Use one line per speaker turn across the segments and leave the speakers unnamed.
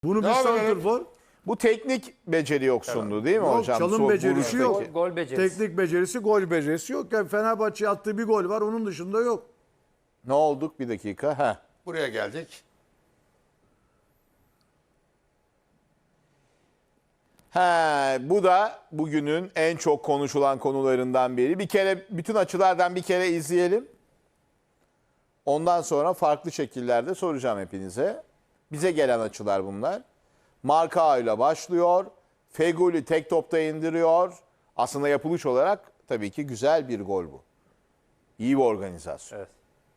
Bunu bir
Devam edelim.
santrfor.
Bu teknik beceri yoksunluğu değil mi
Yok,
hocam?
çalım becerisi yok.
Vuruştaki.
Gol becerisi.
Teknik becerisi, gol becerisi yok. Yani Fenerbahçe'ye attığı bir gol var. Onun dışında yok.
Ne olduk bir dakika? Heh.
Buraya geldik.
Bu da bugünün en çok konuşulan konularından biri. Bir kere bütün açılardan bir kere izleyelim. Ondan sonra farklı şekillerde soracağım hepinize. Bize gelen açılar bunlar. Marka ile başlıyor. Feguli tek topta indiriyor. Aslında yapılış olarak tabii ki güzel bir gol bu. İyi bir organizasyon.
Evet.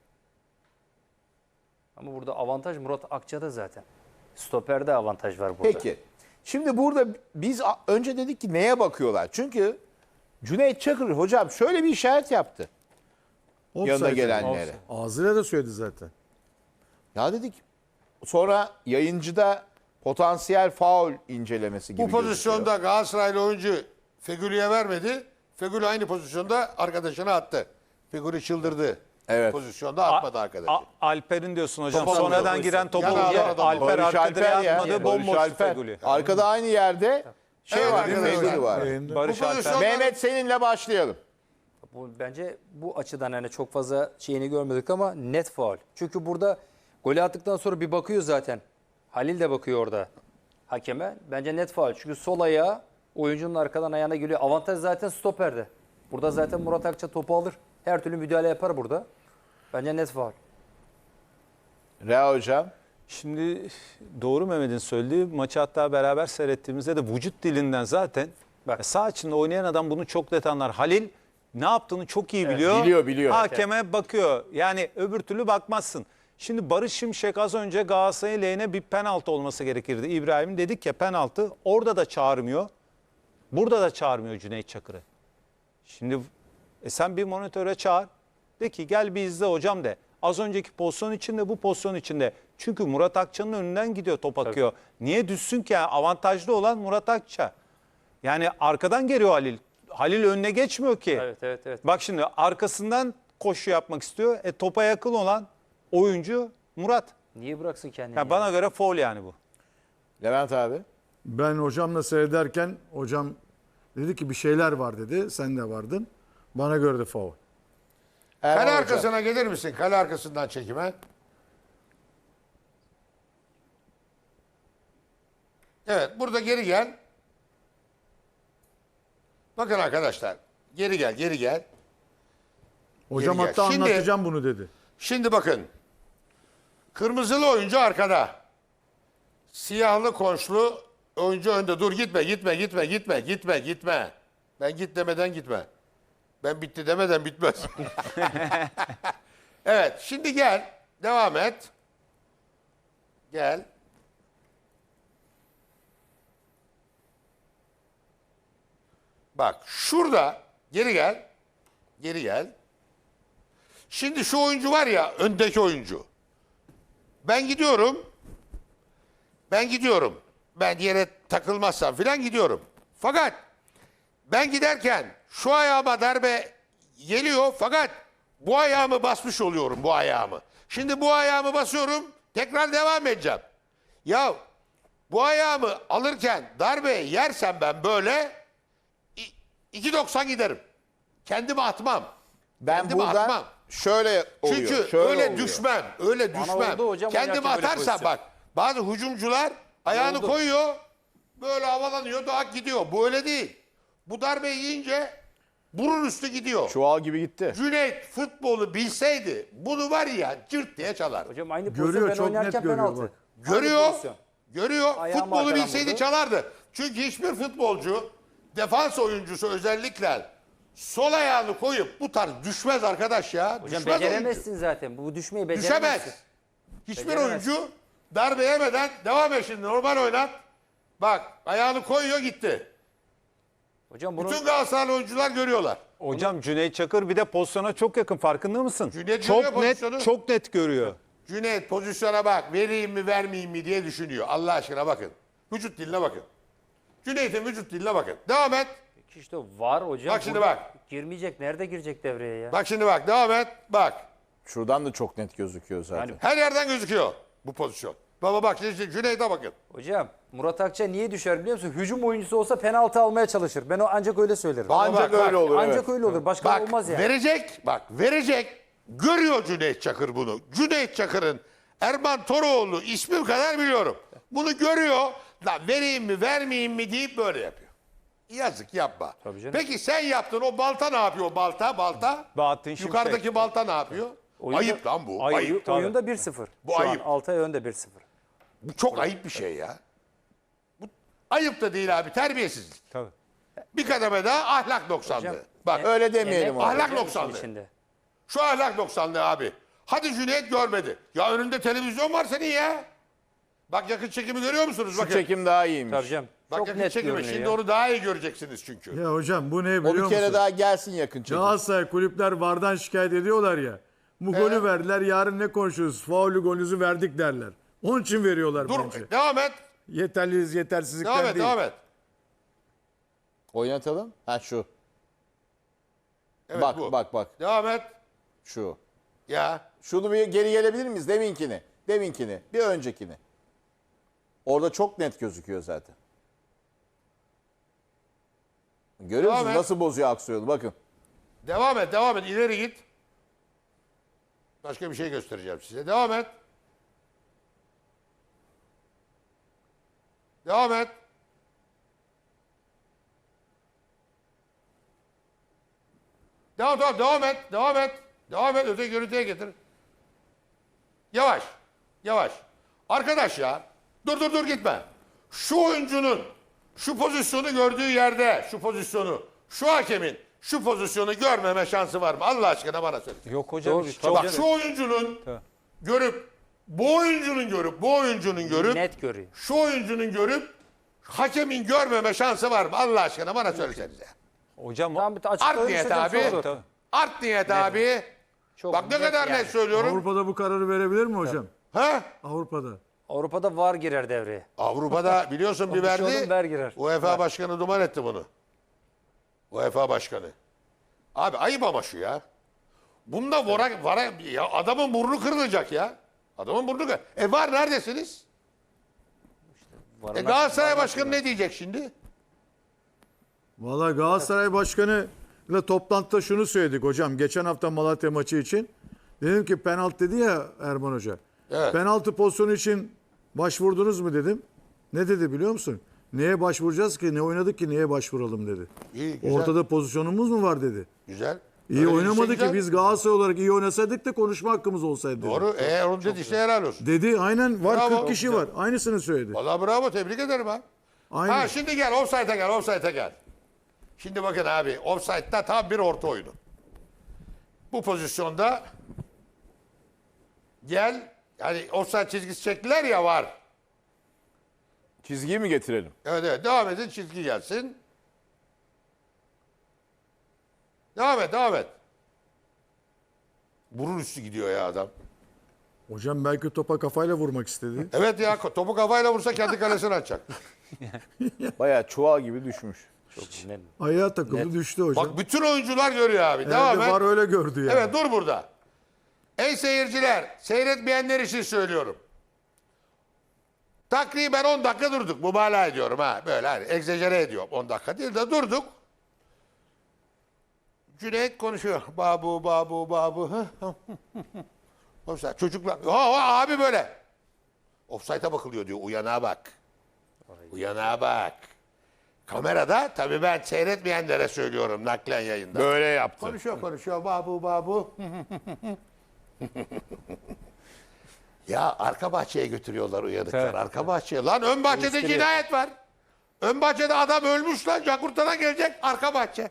Ama burada avantaj Murat Akça'da zaten. Stoper'de avantaj var burada.
Peki. Şimdi burada biz önce dedik ki neye bakıyorlar? Çünkü Cüneyt Çakır hocam şöyle bir işaret yaptı. Yanına
Offside.
gelenlere.
Ağzıyla da söyledi zaten.
Ya dedik sonra yayıncıda potansiyel faul incelemesi gibi
Bu pozisyonda Galatasaraylı oyuncu Fegüli'ye vermedi. Fegüli aynı pozisyonda arkadaşına attı. Fegüli çıldırdı.
Evet.
Pozisyonda atmadı arkadaşı.
Alper'in diyorsun hocam.
Topa
Sonradan
vuruyor.
giren topu
Yana
vurdu.
adam.
Alper
Barış
arka
Alper
direğe
ya.
atmadı.
Barış
Bomboş
Alper.
Feguli.
Arkada aynı yerde
Evet,
var değil mi?
arkadaşlar.
Feguli var.
Barış
Bu
Alper.
pozisyon-
Mehmet seninle başlayalım.
Bence bu açıdan hani çok fazla şeyini görmedik ama net faul. Çünkü burada golü attıktan sonra bir bakıyor zaten. Halil de bakıyor orada hakeme. Bence net faul. Çünkü sol ayağı oyuncunun arkadan ayağına geliyor. Avantaj zaten stoperde. Burada zaten Murat Akça topu alır. Her türlü müdahale yapar burada. Bence net faul.
Rea hocam.
Şimdi doğru Mehmet'in söylediği maçı hatta beraber seyrettiğimizde de vücut dilinden zaten
Bak.
sağ içinde oynayan adam bunu çok net anlar. Halil ne yaptığını çok iyi biliyor.
Biliyor.
Hakeme bakıyor. Yani öbür türlü bakmazsın. Şimdi Barış Şimşek az önce Galatasaray lehine bir penaltı olması gerekirdi. İbrahim dedik ya penaltı. Orada da çağırmıyor. Burada da çağırmıyor Cüneyt Çakır'ı. Şimdi sen bir monitöre çağır. De ki gel bir izle hocam de. Az önceki pozisyon içinde bu pozisyon içinde. Çünkü Murat Akça'nın önünden gidiyor top akıyor. Niye düşsün ki? Yani avantajlı olan Murat Akça. Yani arkadan geliyor Halil. Halil önüne geçmiyor ki.
Evet.
Bak şimdi arkasından koşu yapmak istiyor. Topa yakın olan oyuncu Murat.
Niye bıraksın kendini?
Yani bana göre faul yani bu.
Levent abi.
Ben hocamla seyrederken hocam dedi ki bir şeyler var dedi. Sen de vardın. Bana göre de faul.
Erman
Kale
hocam.
arkasına gelir misin? Kale arkasından çekime. Evet, burada geri gel. Bakın arkadaşlar. Geri gel.
Hocam
Geri gel.
hatta
Şimdi-
anlatacağım bunu dedi.
Şimdi bakın. Kırmızılı oyuncu arkada. Siyahlı konşlu oyuncu önde. Dur gitme. Ben git demeden gitme. Ben bitti demeden bitmez. Evet, şimdi gel. Devam et. Gel. Bak şurada geri gel. Şimdi şu oyuncu var ya, öndeki oyuncu. Ben gidiyorum. Ben yere takılmazsam filan gidiyorum. Fakat ben giderken şu ayağıma darbe geliyor fakat bu ayağımı basmış oluyorum, bu ayağımı. Şimdi bu ayağımı basıyorum, tekrar devam edeceğim. Ya bu ayağımı alırken darbe yersem ben böyle 2.90 giderim. Kendimi atmam.
Ben
Kendimi
buradan
atmam.
şöyle oluyor.
Çünkü
şöyle
öyle
oluyor.
düşmem.
oldu hocam,
Kendimi
oynarken böyle
atarsam
pozisyon.
bak bazı hücumcular ayağını
Oldu.
koyuyor. Böyle havalanıyor, daha gidiyor. Bu öyle değil. Bu darbeyi yiyince burun üstü gidiyor.
Çuval gibi gitti.
Cüneyt futbolu bilseydi bunu var ya cırt diye çalar.
Hocam aynı
Görüyor,
pozisyon ben
çok net
oynarken
görüyor
penaltı.
bak.
Aynı
Görüyor.
pozisyon. Ayağımı
Futbolu
arkadan
bilseydi
vurdu.
çalardı. Çünkü hiçbir futbolcu, defans oyuncusu özellikle sol ayağını koyup bu tarz düşmez arkadaş ya.
Hocam
Düşmez oyuncu.
beceremezsin zaten. Bu düşmeyi beceremezsin.
Düşemez. Hiçbir
Beceremez.
oyuncu darbe yemeden devam et şimdi normal oynat. Bak ayağını koyuyor gitti.
Hocam bunu
Bütün Galatasaraylı oyuncular görüyorlar.
Hocam Cüneyt Çakır bir de pozisyona çok yakın farkında mısın?
Cüneyt görüyor
çok net
pozisyonu.
çok net görüyor.
Cüneyt pozisyona bak vereyim mi vermeyeyim mi diye düşünüyor. Allah aşkına bakın. Vücut diline bakın. Cüneyt'in vücut diline bakın. Devam et.
işte var hocam.
Bak şimdi
Burada
bak.
Girmeyecek. Nerede girecek devreye ya?
Bak şimdi bak devam et. Bak.
Şuradan da çok net gözüküyor zaten.
Yani
Her yerden gözüküyor bu pozisyon. Baba bak şimdi Cüneyt'e bakın.
Hocam Murat Akça niye düşer biliyor musun? Hücum oyuncusu olsa penaltı almaya çalışır. Ben ancak öyle söylerim.
Ancak
bak,
öyle olur.
Ancak
Evet.
öyle olur. Başka
Bak
olmaz yani.
verecek. Görüyor Cüneyt Çakır bunu. Cüneyt Çakır'ın Erman Toroğlu ismi kadar biliyorum. Bunu görüyor. Lan vereyim mi vermeyeyim mi deyip böyle yapıyor. Yazık yapma.
Tabii canım.
Peki sen yaptın o balta ne yapıyor balta?
Bahattin Şimşek.
Yukarıdaki balta ne yapıyor?
Oyunda-
Ayıp lan bu.
Ayıp.
Ayıp.
Tabii.
Oyunda 1-0.
Bu
Şu
ayıp.
an Altay önde 1-0.
Bu çok ayıp bir şey ya. Bu ayıp da değil abi terbiyesizlik.
Tabii.
Bir kademe daha ahlak noksanlığı. Bak
Öyle demeyelim
Emek
abi.
Ahlak
var
noksanlığı.
içinde.
şu ahlak noksanlığı abi. Hadi Cüneyt görmedi. Ya önünde televizyon var senin ya. Bak yakın çekimi görüyor musunuz?
Şu
Bakın.
çekim daha iyiymiş.
Tabii canım.
Bak
Çok
yakın
net
çekimi.
görünüyor
Şimdi
ya.
onu daha iyi göreceksiniz çünkü.
Ya hocam bu ne
O
biliyor
bir
musun?
kere daha gelsin yakın çekim.
Galatasaray kulüpler VAR'dan şikayet ediyorlar ya. Bu golü verdiler, yarın ne konuşuyoruz? Faulü golünüzü verdik derler. Onun için veriyorlar
Dur
bence.
devam et.
Yeterliyiz, yetersizlikten
Devam et.
değil.
Devam et.
Oynatalım. Ha şu.
Evet,
bak
bu.
bak.
Devam et.
Şu.
Ya.
Şunu bir geri gelebilir miyiz? Deminkini. Bir öncekini. Orada çok net gözüküyor zaten. Görüyor
Devam
musun
et.
nasıl bozuyor aksiyonu? Bakın.
Devam et. Devam et. İleri git. Başka bir şey göstereceğim size. Devam et. Devam et. Devam et. Devam et. Devam et. Öteki görüntüye getir. Yavaş. Yavaş. Arkadaş ya. Dur gitme. Şu oyuncunun şu pozisyonu gördüğü yerde şu pozisyonu şu hakemin şu pozisyonu görmeme şansı var mı? Allah aşkına bana söyle.
Yok hocam.
Doğru,
hiç-
çok-
Bak şu oyuncunun görüp bu oyuncunun görüp
Net görüyor.
şu oyuncunun görüp hakemin görmeme şansı var mı? Allah aşkına bana söylesenize.
Hocam
Tam bir
Art
açıklayın.
niyet abi.
Tabii.
Art niyet abi.
Çok
Bak ne
net
kadar
yani.
net söylüyorum.
Avrupa'da bu kararı verebilir mi hocam?
Ha?
Avrupa'da.
Avrupa'da VAR girer devreye.
Avrupa'da biliyorsun bir verdi.
Komisyonun ver girer.
UEFA başkanı duman etti bunu. UEFA başkanı. Abi ayıp ama şu ya. Bunda ya adamın burnu kırılacak ya. Adamın burnu kırılacak. Var neredesiniz?
VAR'ın
Galatasaray başkanı ne diyecek şimdi?
Valla Galatasaray Başkanı ile toplantıda şunu söyledik hocam. Geçen hafta Malatya maçı için. Dedim ki penaltı dedi ya Erman Hoca.
Evet.
Penaltı pozisyonu için başvurdunuz mu dedim. Ne dedi biliyor musun? Neye başvuracağız ki? Ne oynadık ki? Neye başvuralım dedi.
İyi, güzel.
Ortada pozisyonumuz mu var dedi.
Güzel.
İyi
Öyle
oynamadı
güzel.
ki biz Galatasaray olarak iyi oynasaydık da konuşma hakkımız olsaydı dedi.
Doğru. Onu dediyse helal olsun.
Dedi aynen var
Bravo.
40 kişi var. Aynısını söyledi.
Vallahi bravo tebrik ederim ha.
Aynen.
Ha şimdi gel offside'e gel. Şimdi bakın abi offside'da tam bir orta oyunu. Bu pozisyonda gel yani offside çizgisi çektiler ya var.
Çizgiyi mi getirelim?
Evet devam edin çizgi gelsin. Devam et. Burun üstü gidiyor ya adam.
Hocam belki topa kafayla vurmak istedi.
Evet ya topu kafayla vursa kendi kalesini atacak.
Bayağı çuval gibi düşmüş.
Çok net.
Ayağa takıldı düştü hocam.
Bak bütün oyuncular görüyor abi. Devam
Herhalde
et.
var öyle gördü yani.
Evet dur burada. Ey seyirciler, seyretmeyenler için söylüyorum. Takriben 10 dakika durduk. Mübalağa ediyorum ha. Böyle hani egzajere ediyorum. 10 dakika değil de durduk. Cüneyt konuşuyor. Babu. Offside. Çocuklar. Abi böyle. Offside'a bakılıyor diyor. Uyanağa bak. Uyanağa bak. Kamerada tabii ben seyretmeyenlere söylüyorum naklen yayında.
Böyle yaptı.
Konuşuyor babu. Ya arka bahçeye götürüyorlar uyanıklar.
Evet.
Arka bahçeye. Lan ön bahçede
Eleştiri.
cinayet var. Ön bahçede adam ölmüş lan. Cakurtadan gelecek arka bahçe.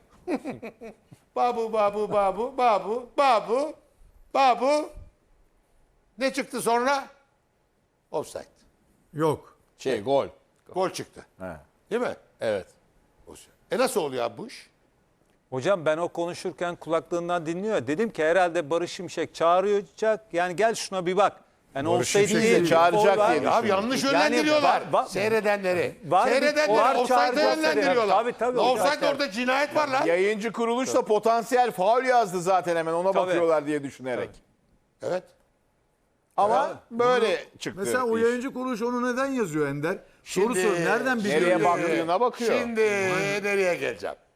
Babu. Ne çıktı sonra? Offside.
Yok.
Gol.
Gol çıktı.
He.
Değil mi?
Evet.
Nasıl oluyor abi bu iş?
Hocam ben o konuşurken kulaklığından dinliyor. Dedim ki herhalde Barış Şimşek çağıracak. Yani gel şuna bir bak. Yani
Barış
olsaydı
Şimşek
değil.
de
çağıracak
Gol var.
diye
Abi yanlış yönlendiriyorlar.
Var
Seyredenleri.
bir- var
Seyredenleri offside'e
çağrı
yönlendiriyorlar.
Tabii,
La
hocam.
offside orada cinayet var lan.
Yayıncı kuruluş da potansiyel faul yazdı zaten hemen ona
Tabii.
bakıyorlar diye düşünerek.
Evet.
Ama böyle çıktı.
Mesela o
iş.
yayıncı kuruluş onu neden yazıyor Ender? Soru
Şimdi-
sor. Nereden biliyor?
Nereye
yazıyor?
baktığına bakıyor.
Şimdi nereye geleceğim?